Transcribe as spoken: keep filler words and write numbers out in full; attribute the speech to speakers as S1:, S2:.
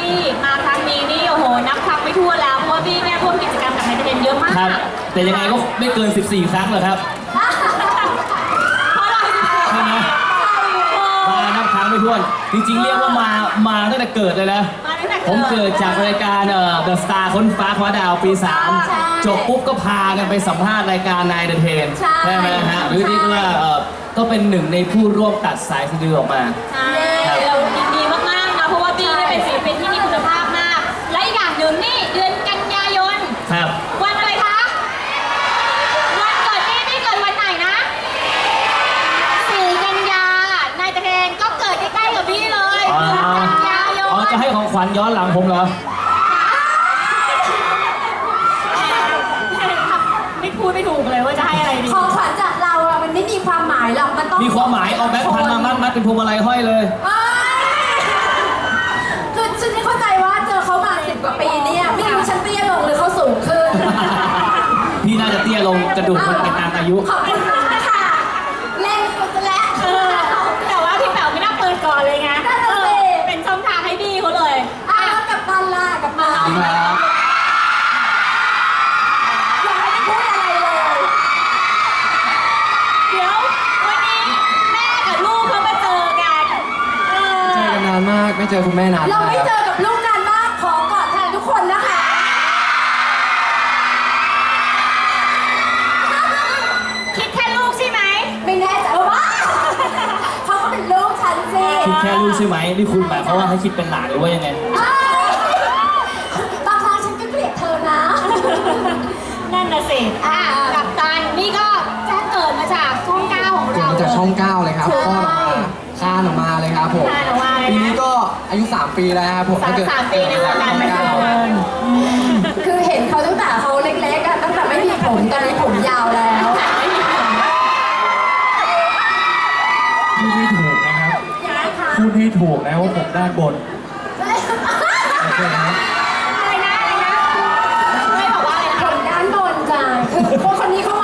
S1: บี้มาครั้งนี้นี่โอ้โหนับครั้งไม่ถ้วนแล้วเพราะว่าบี้เนี่ยร่วมกิจกรรมกับไทยเทนเยอะมาก
S2: ครับแต่ยังไงก็ไม่เกินสิบสี่ครั้งหรอกครับ
S1: เพราะอะไร
S2: ใช่ไหมมานับครั้งไม่ถ้วนจริงๆเรียกว่ามามาตั้งแต่เกิดเลยนะ
S1: มาตั้งแต่
S2: ผมเกิดจากรายการเอ่อ The Star ค้นฟ้าคว้าดาวปีสามจบปุ๊บก็พากันไปสัมภาษณ์รายการนายเดอะเทนใช่ไหมฮะหรือที่ว่าเอ่อก็เป็นหนึ่งในผู้ร่วมตัดสายสะดือออกมา
S1: ใช่เรายินดีมากๆนะเพราะว่าบี้เนี่ยเป็นศิลปินที่มีคุณภาพมาก และอีกอย่างหนึ่งนี่เดือนกันยายน
S2: ครับ
S1: วันอะไรคะ วันเกิดบี้บี้เกิดวันไหนนะสี่กันยานายตะเทนก็เกิดใกล้ๆกับบี้เลย
S2: อ๋อ
S1: เดือนกันยายน
S2: อ๋อจะให้ของขวัญย้อนหลังผมเหรอ
S1: ไม่พูดไม่ถูกเลยว่าจะให้อะไรดี
S3: ของขวัญจากเราอะมันไม่มีความหมายหรอกมันต้อง
S2: มีความหมายเอาแบงค์พันมามัดมัดเป็นพวงมาลัยห้อยเลย
S3: เอ้ยคือฉันไม่เข้าใจว่าเจอเขามาสิบกว่าปีเนี่ยไม่รู้ฉันเตี้ยลงหรือเขาสูงขึ้น
S2: พี่น่าจะเตี้ยลงกระดูกมันเป็นตามอายุ
S3: ขอบคุณมากค่ะเล่นกูซะแล้ว
S1: เออแต่ว่าพี่แป๋วไม่น่าเปิดก่อนเลยไง
S3: นั่นน่ะสิ
S1: เออเป็นช่องทางให้บี้เขาเลย
S3: อ้าวกับตันล่ะกับตัน
S2: ดีครับ
S3: ยังไม่ได้พูดอะไรเลย
S1: เดี๋ยววันนี้แม่กับลูกเขามาเจอกันเออ
S4: เจอกันนานมากไม่เจอคุณแม่นาน
S3: เรา
S4: มาก
S3: ไม่เจอกับลูกนานมากขอกอดแทนทุกคนนะคะ
S1: คิดแค่ลูกใช่ไหม
S3: ไม่แน่ใจว่าเขาก็เป็นลูกฉันสิ
S2: คิดแค่ลูกใช่ไหมนี่คุณหมายความว่าให้คิดเป็นหลานหรือว่ายังไง
S3: เอ้ยบางครั้งฉันก็เกลียดเธอนะ
S1: นั่นน่ะสิอ่ะกับตันนี่ก็แจ้งเกิดมาจากช่องเก้าของ
S4: เกิด
S1: เรา
S4: มาจากช่องเก้าเลยครับ
S3: ใช่
S4: คลอดออกมาคลานออกมาเลยครับผม
S1: คลานออกมาเลยนะ
S4: ปีนี้ก็อายุสามปีแล้วครับผม
S1: สาม
S4: ถ้เกิด
S1: สามปีในวงการบันเทิง
S3: คือเห็นเขาตั้งแต่เขาเล็กๆอะตั้งแต่ไม่มีผมตอนนี้ผมยาวแล้ว
S5: พูดให้ถูกนะครับ
S3: ยังไงคะ
S5: พูดให้ถูกนะว่าผมด้านบนโอเคนะ
S1: อะไรนะอะไรนะไม่บอกว่าอะไรนะ
S3: ผมด้านบนจ้ะคือคนคนนี้เขา